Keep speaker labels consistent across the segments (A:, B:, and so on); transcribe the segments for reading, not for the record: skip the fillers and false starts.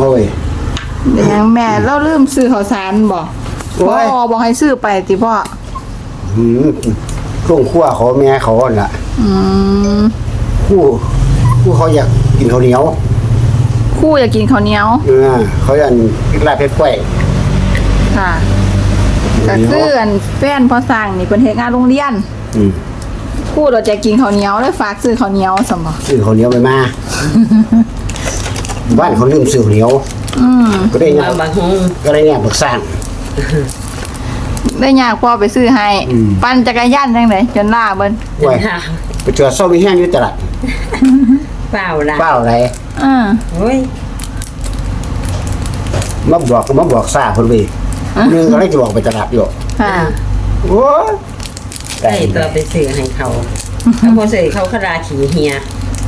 A: โอ้ย
B: ยังแม่เราลืมซื้อข้าวสารบ่
A: โอ้
B: พ่อย บอกให้ซื้อไปติพ่อ
A: ช่วงขั้วเขาแม่เขาอ่อนล่ะ
B: อืม
A: คู่เขาอยากกินข้าวเหนียว
B: คู่อยากกินข้าวเหนียว
A: เขาอยากลาบเพชรกล้วย
B: ค่ะก็คืออันแฟนพอสั่งนี่เพิ่นเฮ็ดงานโรงเรียนคู่เราจะกินข้าวเหนียวเลยฝากซื้อข้าวเหนียวซั่นบ่
A: ซื้อข้าวเหนียวไปมา บ้านเขาลืมซื้อข้าวเหนียวก็ได้
C: มา
A: เนี่ย
C: บางฮง
A: ก็ได้เนี่ยบักสร้าง
B: ได้ยากพ่อไปซื้อให้ปั่นจักรยานจังได๋จนลาเบิ่น
A: ไว้ไปจอดเศร้ามีแห้งอยู่ตลาด
C: เปล่าละ
A: เป้าอะไร
C: โอ้ย
A: มาบอกซาเพิ่นไปนึงก็เลยจะบอกไปตลาดอยู่
B: ค่ะ
A: โอ้ย
C: ได้ตัวไปซื้อให้เขาถ้าพอซื้อเขาคาราขี่เฮีย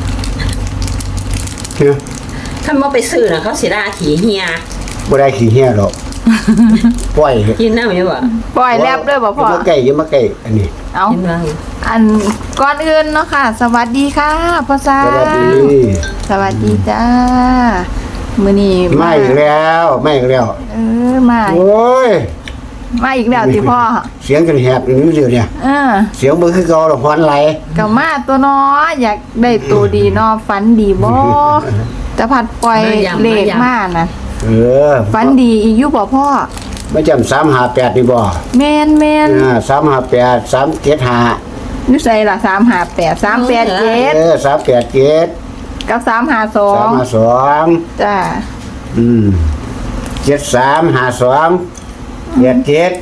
A: เนี่ย
C: ถ้ามาไปซื้อนะเขาสิราขี่เฮีย
A: บ่ได้ขี้เหี้ยหรอกปล่อย
C: กินน้ำอยู่บ่
B: ปล่อยแลบเด้อบ่พ่อ
A: อย่ามาใกล้อย่ามาใกล้อันนี้
B: เอา
C: กินบ้าง
B: อันก่อนอื่นเนาะค่ะ สวัสดีค่ะพ่อสา
A: สวัสดี
B: สวัสดีจ้ามื้อนี้
A: ไม่อีกแล้วไม่อีกแล้ว
B: มา
A: โอ้ย
B: มาอีกแล้วติพ่อ
A: เสียงกันแหบอย่างนี้เดียวเนี่ย เสียงบ่คือเก่าดอกฮอนไหล
B: ก็มาตัวน้อยอยากได้ตัวดีเนาะฝันดีบ่จะผัดปล่อยเลขมาน่ะ
A: เออ
B: ฝันดีอีกอยู่บ่พ่อ
A: ไม่จำ358นี่บ่
B: แม่น
A: 358 375
B: อยู่ไสล่ะ358 387
A: 387
B: กับ352
A: 352
B: จ้า
A: 7352 77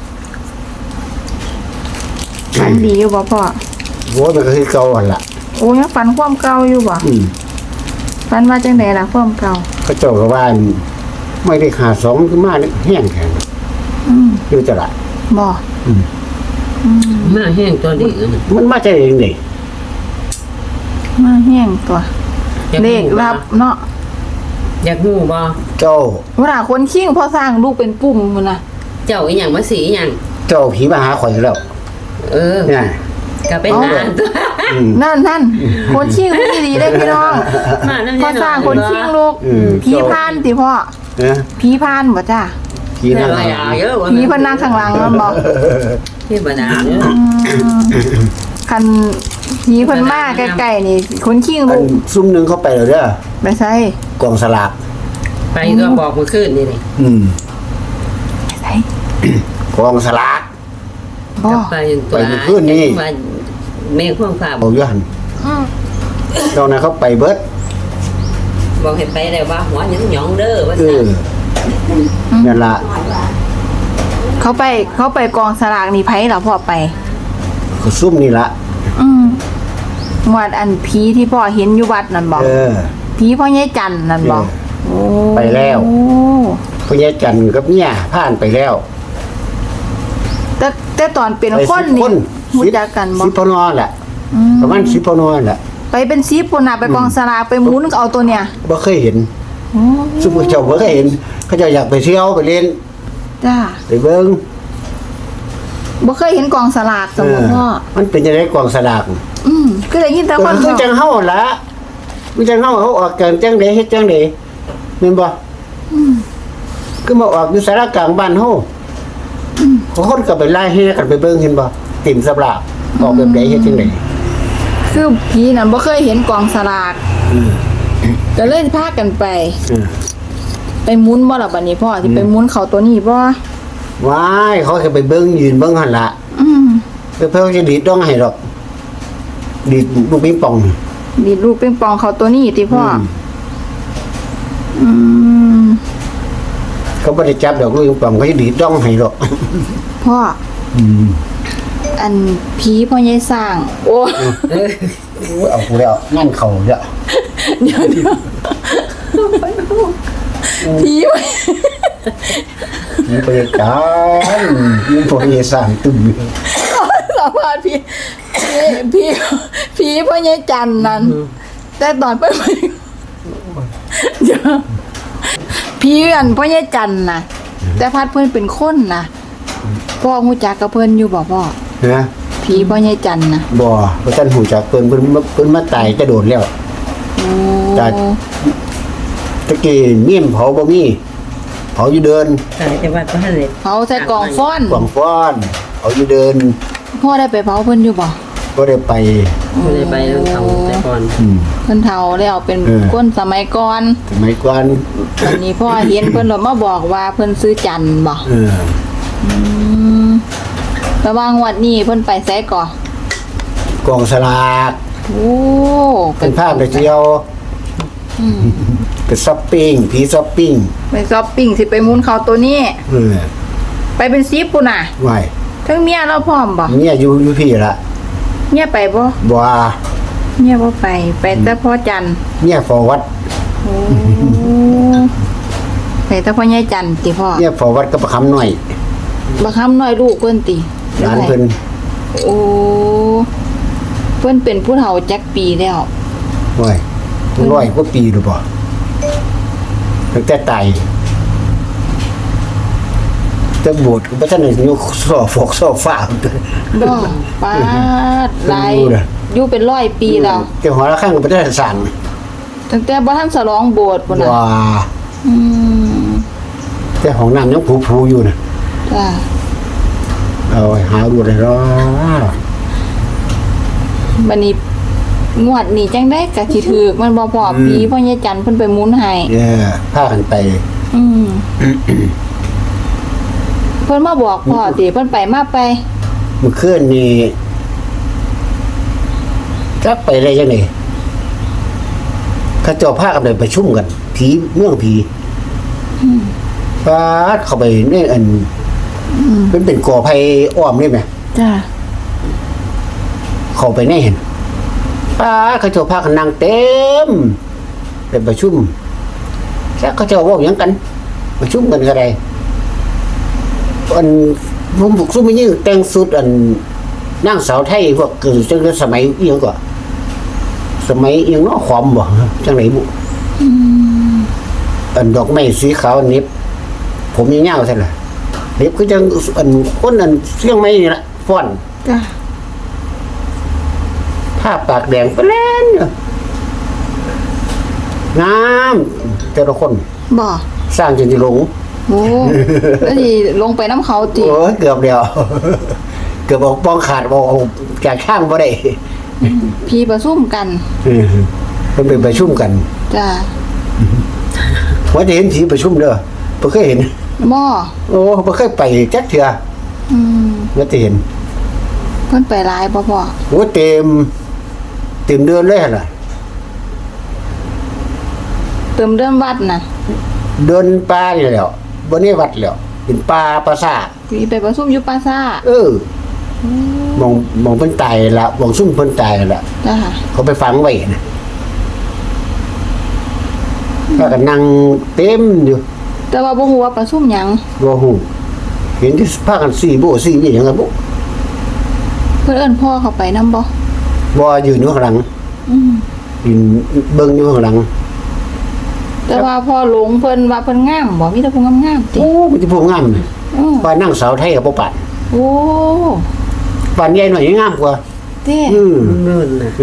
B: ฝันดีอยู่บ่พ่อ
A: โอ้ยมันก็คือเก่าหั่นล่ะ
B: โอ้ยังฝันความเก่าอยู่บ่ฝันว่าจังได๋ล่ะความเก่า
A: เขาเจ้าก็ว่าไม่ได้ขา2คือมาแห้งแข็งอยู่ตลาด
B: บ่
C: มาแห้งตัวดี
A: มันมาจากเองนี่
B: มาแห้งตัวเลขรับเนาะ
C: อยากหูบ่
A: เจ้า
B: เวลาคนขิงพอสร้างลูกเป็นปุ่มพุ่นน่ะ
C: เจ้าอีหยังมาสีอีหยัง
A: เจ้าผีมาหาข่อยแล้ว เนี่ย
C: ก็เป็นนานตัว
B: นั่นคนขิงลูกดีๆได้พี่น้อง
C: มาน้ำ
B: พอสร้างคนขิงลูกผีพานติพ่อ
A: นะ
B: ผีพานบ่จ้า
A: ผีนั่ง
C: อะไรเยอะ
B: ผีเพนนั่งข้างหลังมันบ่
C: ที่บ่ได้เยอะ
B: คันผีเพิ่นมาใกล้ๆนี่คนขิง
A: อั
B: ลู
A: น
B: ก
A: ซุ่มหนึงเข้าไปแล้วเด้อ
B: ไปใส่
A: กองสลาก
C: ไปก็บอกเมื่อคืนนี่นี่
B: ไปใส่
A: กองสลาก
B: บ่
C: ไปตัว
A: ไปเมื่อคืนนี่
C: เมฆพ่วงฟ้า
A: เอาอยู่หั่นตอนนั้นเขาไปเบิด
C: บอกให้ไปแล้วว่าหัวยังหยองเด้อว่า
A: เอ
C: ซั่
A: อนนั่นล่ะ
B: เขาไปกองสลากนี่ไผล่ะพ่อไป
A: เขาซุ่มนี่ล่ะ
B: งวดอันผีที่พ่อเห็นอยู่วัดนั่นบ่
A: เออ
B: ผีพ่อใหญ่จันทร์นั่นบ่
A: เออ ไปแล้ว
B: โอ้
A: พ่อใหญ่จันทร์กับเนี่ยผ่านไปแล้ว
B: แต่ตอนเป็น
A: ไป
B: คน
A: 10
B: นี่รู้จักกันบ่
A: สิบพนแหละประมาณ10พนแหละ
B: ไปเป็น10พุ่นน่ะไปกองสลากไปหมุนเอาตัวเนี่ย
A: บ่เคยเห็นซุ่มเจ้าบ่เคยเห็น เขาเจ้าอยากไปเที่ยวไปเล่น
B: จ้า
A: ไปเบิ่ง
B: บ่เคยเห็นกองสลากสมมุติพ่อ
A: มันเป็นจังได๋กองสลาก
B: ก็ได้ยินแต่คน
A: คือจังเฮาล่ะคือจังเฮาเขาออกกันจังได๋เฮ็ดจังได๋แม่นบ่คือมาออกอยู่สารกลางบ้านเฮาคนก็ไปไล่แห่กันไปเบิ่งเห็นบ่ติ่มสำหรับออกแบบใดเฮ็ดจังได๋
B: คือผีนั่นบ่เคยเห็นกองสลากก็เลยพากันไป ไปหมุนบ่ล่ะบัดนี้พ่อสิไปหมุนเขาตัวนี้บ่
A: ว้ายเขาก็ไปเบิ่งยืนเบิ่งหั่นล่ะเพิ่นจะดีดต้องให้ดอกดีดลูกปิงปอง
B: ดีดลูกปิงปองเขาตัวนี้ติพ่อม
A: เขาบ่ได้จับดอกลูกปิงปองเขาจะดีดต้องให้ดอก
B: พ่ออันผีพ่อใหญ่สร้าง โอ้
A: เอากูแล้วงานเขาเด้อ
B: เดี๋ยวผีไว้
A: มีไปกันมีพวกนี้สร้างตึ้ม
B: สภาพผีพ่อใหญ่จันทร์นั่นแต่ตอนเพิ่นเดี๋ยวผีอันพ่อใหญ่จันทร์น่ะ แต่พัดเพิ่นเป็นคนน่ะพ่อฮู้จักกับเพิ่นอยู่บ่พ่อ
A: นะ
B: ผีพ่อใหญ่จันทร์น่ะ
A: บ่บ่ทันหูจักเพิ่นมาตายจะโดดแล้ว
B: โอ้
A: จ้ะตะกี้เมี่ยมเผาบ่มีเผาอยู่เดิน
C: ตายแต่วัดพระทะเล
B: เผาใส่กล่องฟ้อน
A: กวางฟ้อนเผาอยู่เดิน
B: พ่อได้ไปเผาเพิ่นอยู่บ่
A: ก็ได้ไป
C: ไม่ได้ไปรุ่นเขาแต่ก่อน
B: เพิ่นเฒ่าแล้วเป็น
A: เออ
B: คนสมัยก่อน
A: สมัยก่อน
B: วันนี้พ่อเห็นเพิ่นมาบอกว่าเพิ่นซื้อจันทร์บ่
A: เออ
B: ระหว่างวัดนี้เพิ่นไปไสก่อก
A: องสลาก
B: โอ้
A: เป็นภาพไปเที่ยวไปช้อปปิ้งผีช้อปปิ้ง
B: ไปช้อปปิ้งสิไปหมุนเขาตัวนี้
A: เออ
B: ไปเป็น10ปุ่นน่ะ
A: ไหว
B: ทั้งเมียเราพร้อมบ่
A: เมียอยู่พี่ละ
B: เมียไปบ่
A: บ่ว่า
B: เมียบ่ไปไปแต่พ่อจันทร์
A: เมียฟอวัด
B: โอ้ไปแต่พ่อใหญ่จันทร์ติพ่อ
A: เมียฟอวัดก็ประคำหน่อย
B: บักคำน้อยลูกเพิ่นติ
A: หลานเพิ่น
B: โอ้เพิ่นเป็นผู้เฒ่าจักปีแล้ว
A: ไหว100 กว่าปีหรือบ่ตั้งแต่ตายแต่โบสถ์ก็บ่ทันได้ยกซอฟอกซอฟ้า
B: บ่ปาดหลาย
A: อยู่น่ะ
B: อยู่เป็น100 ปีแล้ว
A: แต่หอละครั้งก็บ่ได้สั่ง
B: ตั้งแต่บ่ทันฉลองโบสถ์พุ่นน่ะ
A: ว่า
B: อืม
A: แต่ห้องน้ำยังผุๆอยู่น่ะ
B: จ้า
A: เอาไว้หาดูได้รอ
B: บัดนี้งวดนี้จังได้ก็สิถูกมันบ่พอปีพ่อใหญ่จันทร์เพิ่นไปหมุนให้
A: พากันไป
B: อืมเพิ่นมาบอกพ่อติเพิ่นไปมาไป
A: เมื่อคืนนี่จักไปได้จังได๋เขาเจ้าพากันไปประชุมกัน ผีเมืองผีปาดเข้าไปในอันเป็นกอไผ่อ้อมนี่แหม
B: จ้า
A: เข้าไปในเห็นปาดเขาเจ้าพากันนั่งเต็มเป็นประชุมจักเขาเจ้าเว้าหยังกัน ประชุมกันก็ได้อันผมบุกซุ่มยิ่งแต่งสุดอันนางสาวไทยพวกเกิดจังสมัยอีหยังก็สมัยอีหยังเนาะขอมบ่จังไหนบุอันดอกไม้สีขาวนิบผมยาวๆซั่นล่ะนิบคือจังอันคนอันเสียงไม้นี่ล่ะฟ้อน
B: จ้า
A: ผ้าปากแดงไปแล่นอยู่งามแต่ละคน
B: บ่
A: สร้างจนสิหลง
B: โอ้แล้วสิลงไปน้ำเขาติ
A: โอ้ยเกือบเดียว เกือบบอกป้องขาดบอกเอาจากข้างบ่ได้
B: พี่ประชุมกัน
A: เพิ่นไปประชุมกัน
B: จ้า
A: ว่าจะเห็นผีประชุมเด้อบ่เคยเห็น
B: บ่
A: โอ้บ่เคยไปจักเทื่อ
B: อืม
A: ว่าจะเห็น
B: เพิ่นไปหลายบ่พ่อ
A: โอ้เต็มเดือนเลยหั่นล่ะ
B: เติมเดิมวัดน่ะ
A: เดินป่านี่แหล้วบ่ได้วัดแล้วเป็นป่าปราสาท
B: พี่ไปประชุมอยู่ปราสาท
A: มองเพิ่นตายละมองซุ่มเพิ่นตายละ
B: จ้า
A: เขาไปฝังไว้นะก็นั่งเต็มอยู่
B: แต่ว่าบ่ฮู้ว่าประชุมหยัง
A: บ่ฮู้เห็นที่พากัน4บ่4อีหยังกันบ่
B: เพิ่นเอิ้นพ่อเข้าไปนำบ่
A: บ่ยืนอยู่ข้างหลัง
B: อืม
A: ยืนเบิ่งอยู่ข้างหลัง
B: แต่ว่าพ่อหลงเพิ่นว่าเพิ่นงามบ่มีแต่ผู้งามๆติ
A: โอ้มันสิผู้งามนี่
B: อือ
A: ว่านั่งสาวไทยก็บ่ปาน
B: โอ้
A: ปานใหญ่หน่อยยังงามกว่า
B: เด้
C: นู่นน่ะ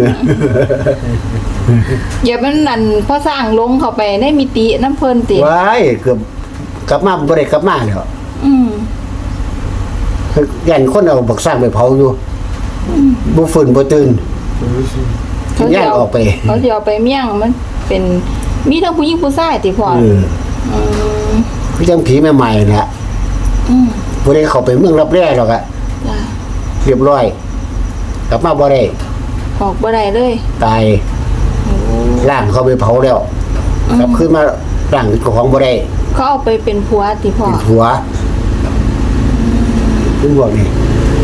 B: อย่าเป็นนั่นพ่อสร้างลงเข้าไปในมิติน้ำเพิ่นติ
A: ว้ายเกือบกลับมาบ่ได้กลับมาแล้ว
B: อืม
A: ยันคนเอาบักสร้างไปเผาอยู่บ่ฟื้นบ่ตื่นย่านออกไป
B: เขาสิเอาไปเมี่ยงมันเป็นมีทั้งผู้หญิงผู้ชายติพ่อ
A: เออ
B: อืม
A: คือจังผีใหม่ๆน่ะ
B: อืม
A: บ่ได้เข้าไปเมืองรับแร่หรอกอะ
B: จ้า
A: เรียบร้อย กลับมาบ่ได้
B: ออกบ่ได้เลย
A: ตายร่างเขาไปเผาแล้วกลับขึ้นมาร่างของบ่ได้
B: เขาเอาไปเป็นผัวติพ่อ
A: เป็นหัวคุณบอกนี่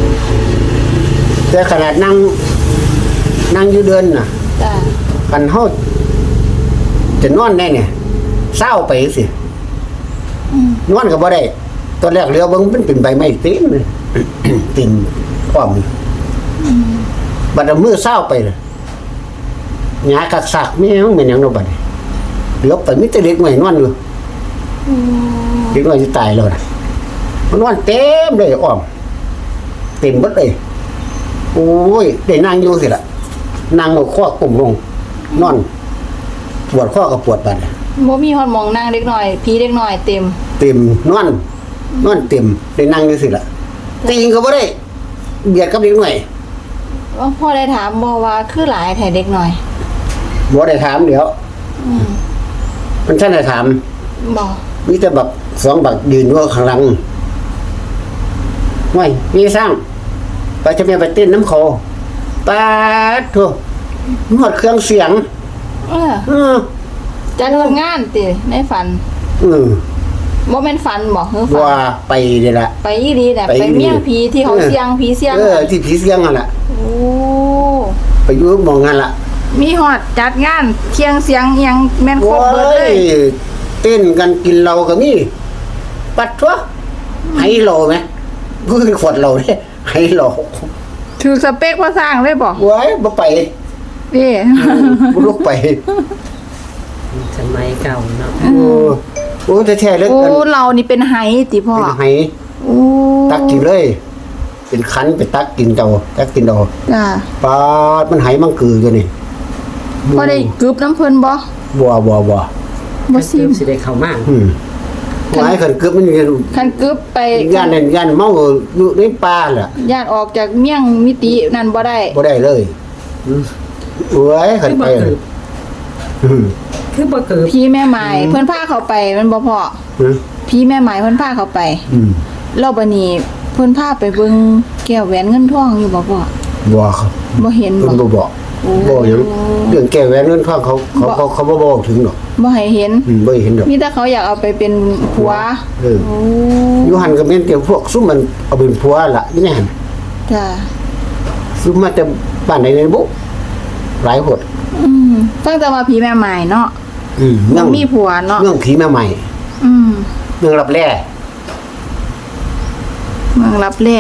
A: แต่ขนาดนั่งอยู่เดินน่ะ
B: จ้า
A: กันเฮาจะนอนได้เนี่ยเศร้าไปสินอนก็บ่ได้ตอนแรกเรือเบิ่งมันเป็นใบไม้เต็มเลย ติ่มพร้อมบัดเอามือเศร้าไปเลยหยากักซักแม่งเป็นหยังเนาะบัดนี้เหลือไปมีแต่เด็กใหม่นอนอยู่เด็กน้อยสิตายแล้วน่ะมันนอนเต็มเลยอ้อมเต็มหมดเลยโอ้ยได้นั่งอยู่สิล่ะนั่งเอาข้อกลุ่มลงนอนปวดข้อกับปวดบัดน่ะ
B: บ่มีฮอดหมองนั่งเด็กน้อยผีเด็กน้อยเต็ม
A: เต็มนอนเต็มได้นั่งจังซี่ล่ะตีงก็บ่ได้เบียดกับเด็กหน่อย
B: ว่าพ่อได้ถามบ่ว่าคือหลายแท้เด็กน้อย
A: บ่ได้ถามเดี๋ยวมันท่านได้ถาม
B: บ่
A: มีแต่บักสองบักยืนอยู่ข้างหลังห้วยมีสร้างไปจะไปเต้นน้ำเขาปาดโถนวดเครื่องเสียง
B: เออ
A: เออ
B: จัดงานติในฝัน
A: เออ
B: บ่แม่นฝันบ่คือฝั
A: ว่าไปเดี๋ยวละ
B: ไปอีหลีน่ะ
A: ไปอี
B: ไป
A: หลี
B: เมี่ยงผีที่เขาเสียงผีเสียง
A: ที่ผีเสียงนั่นแหละ
B: โอ้
A: ไปอยู่หมองงานละ
B: มีฮอดจัดงานเคียงเสียงอิหยังแม่นคร
A: โอ้
B: บเบิดเลย ย
A: เต้นกันกินเหล้าก็มีปัดทั่วให้เหล้าไหมเพิ่งขวดเหล้าเนี่ยให้เหล้า
B: ถือสเปคว่าสร้างเลยบ่
A: ไว้บ่ไป
B: นี่
A: บ่ลุกไป
C: สมัยเก่าเนาะ
A: โอ้แท้ๆเลย
B: โอ้
A: กัน
B: เรานี่เป็นไหติพ่อ
A: เป็นให้
B: โอ้
A: ตักกินเลย เป็นคันไปตักกินเจ้าตักกินเอา
B: จ้า
A: ปาดมันไหมังกือตัวนี้
B: บ่ได้กึบน้ำเพิ่นบ่
A: บ่
B: บ่ซิม
C: สิได้เข้ามา
A: หลายคันกึบมันอยู่
B: คันกึบไป
A: ย่านนั่นย่านเมาอยู่ในป่าล่ะ
B: ญาติออกจากเมี่ยงมิตินั่นบ่ได้
A: บ่ได้เลยโอ้ยคันไปอืม
C: คือบ่เกิด
B: พี่แม่ไม้เพิ่นพาเขาไปมันบ่พอ
A: อืม
B: พี่แม่ไม้เพิ่นพาเขาไป
A: อืม
B: แล้วบัดนี้เพิ่นพาไปเบิ่งแก้วแหวนเงินทองอยู่บ่พ่อ
A: บ่ครับ
B: บ่เห็น
A: เพิ่น
B: บ่
A: บ่บอก
B: โอ้
A: บ่หยังเรื่องแก้แหวนเงินทองเขาบ่บอกถึงหรอก
B: บ่ให้เห็น
A: บ่เห็นดอก
B: มีแต่เขาอยากเอาไปเป็นผัว
A: เออ
B: โอ้
A: อยู่หันก็แม่นแต่พวกซุมมันเอาเป็นผัวล่ะนี่แน่หั่น
B: จ้า
A: ซุมมาแต่บ้านไหนในบุหลายโหด
B: ตั้งแต่ว่าพี่แม่ไม้เนาะ
A: เรื่
B: บ่
A: อง
B: มีผัวเนาะ
A: เรื่องผีมาใหม่
B: อืม
A: เรื่องรับแร่
B: เมืองรับแล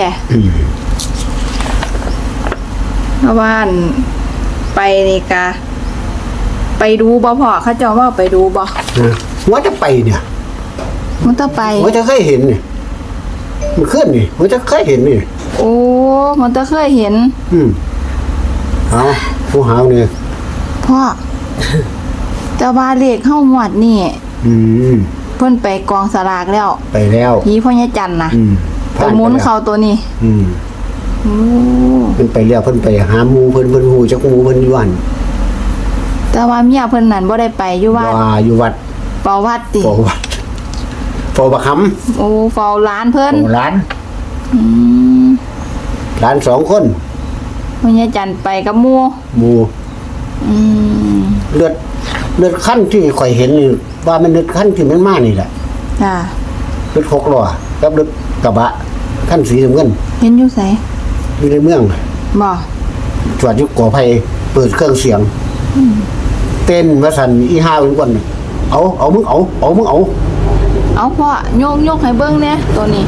B: เพราะว่าอั่นไปนี่กะไปดูบ่พ่อเขาเจ้าว่าไปดูบ่
A: นะว่าจะไปเนี่ย
B: มันต้องไป
A: ว่าจะเคยเห็นเนี่ยมันขึ้นนี่ว่าจะเคยเห็นนี่
B: โอ้มันต้องเคยเห็น
A: เอาผู้หาวเนี่ย
B: พ่อเจ้าบาเลขเข้าหมวดนี่
A: อืม
B: เพิ่นไปกองสลากแล้ว
A: ไปแล้ว
B: พี่พ่อใหญ่จันทร์นะ
A: ผ่
B: ไปหมุนเขาตัวนี้
A: อืม
B: โอ้
A: เพิ่นไปแล้วเพิ่นไปหาหมูเพิ่นฮู้จักหมูเพิ่นอยู่วัน
B: แต่ว่าเมียเพิ่นนั่นบ่ได้ไปอยู่วัด
A: ว่าอยู่วัด
B: เฝ้าวัดติ
A: ฟอวัดฟอบักค
B: โอ้เฝ้าร้านเพิ่น
A: ำของร้าน
B: อืม
A: ร้าน2 คน
B: พ่อใหญ่จันทร์ไปกับหมู่
A: หมู
B: อืม
A: เลือดขั้นที่ข่อยเห็นนี่ว่ามันเลือดขั้นที่มันมานี่แหละ
B: จ้า
A: เลือด6 ล้อกับเลือดกระบะขั้นสีน้ำเงิน
B: เห็นอยู่ไส
A: อยู่ในเมือง
B: บ่
A: จอดอยู่ก่อไผ่เปิดเครื่องเสียงเต้นว่าสันอีห้าเป็นคนเอามึงเอามึงเอา
B: เอาพ่อโยกให้เบิ่งแหน่ตัวนี้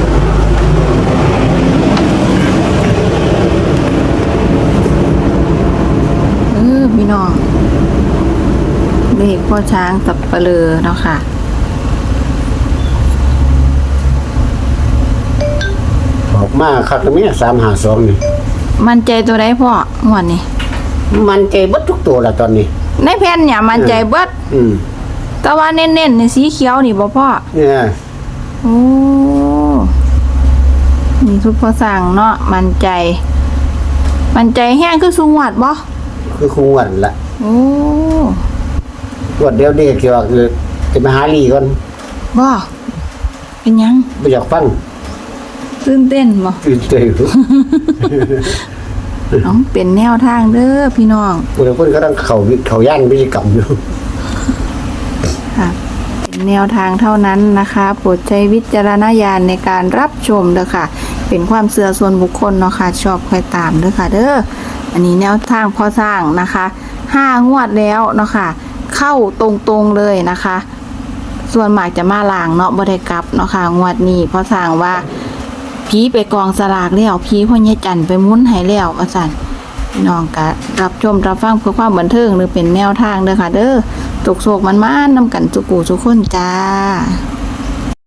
B: พี่น้องเลขพ่อช้างสับปะเลอเนาะค่ะ
A: บอกมาคักแล้วแม่352นี่
B: มันใจตัวใดพ่องวดนี้
A: มันใจเบิดทุกตัวละตอนนี้
B: ในแผ่นเนี่ยมันใจเบิด
A: อืม
B: แต่ว่าเน้นๆในสีเขียวนี่บ่พ่อ
A: เนี่ย
B: โอ้นี่ทุกพอสั่งเนาะมันใจแห้งคือสูงวัดบ่
A: คือคงวันละ
B: โอ้
A: วดเดียวเด็กเกี่ยวคือจะมาหาลีก่อน
B: บ่เป็นหยัง
A: ไม่อยากฟัง
B: ตื่นเต้นบ่
A: ตื่นเต้น
B: น้องเป็นแนวทางเด้อพี่น้อง
A: คนละคนก็ต้องเขาย่านวิธีกรรมอยู่
B: ค่ะเป็นแนวทางเท่านั้นนะคะโปรดใช้วิจารณญาณในการรับชมเด้อค่ะ เป็นความเชื่อส่วนบุคคลเนาะค่ะชอบค่อยตามเด้อค่ะ เด้ออันนี้แนวทางพอสร้างนะคะ5 งวดแล้วเนาะค่ะ เข้าตรงๆเลยนะคะ ส่วนมากจะมาล่างเนาะบ่ได้กลับเนาะค่ะงวดนี้พอสร้างว่าผีไปกองสลากแล้วผีพ่อใหญ่จันทร์ไปหมุนให้แล้วว่าซั่นพี่น้องก็รับชมรับฟังเพื่อความบันเทิงหรือเป็นแนวทางเด้อค่ะ เด้อตกโศกมันๆนำกันสุกูทุกคนจ้า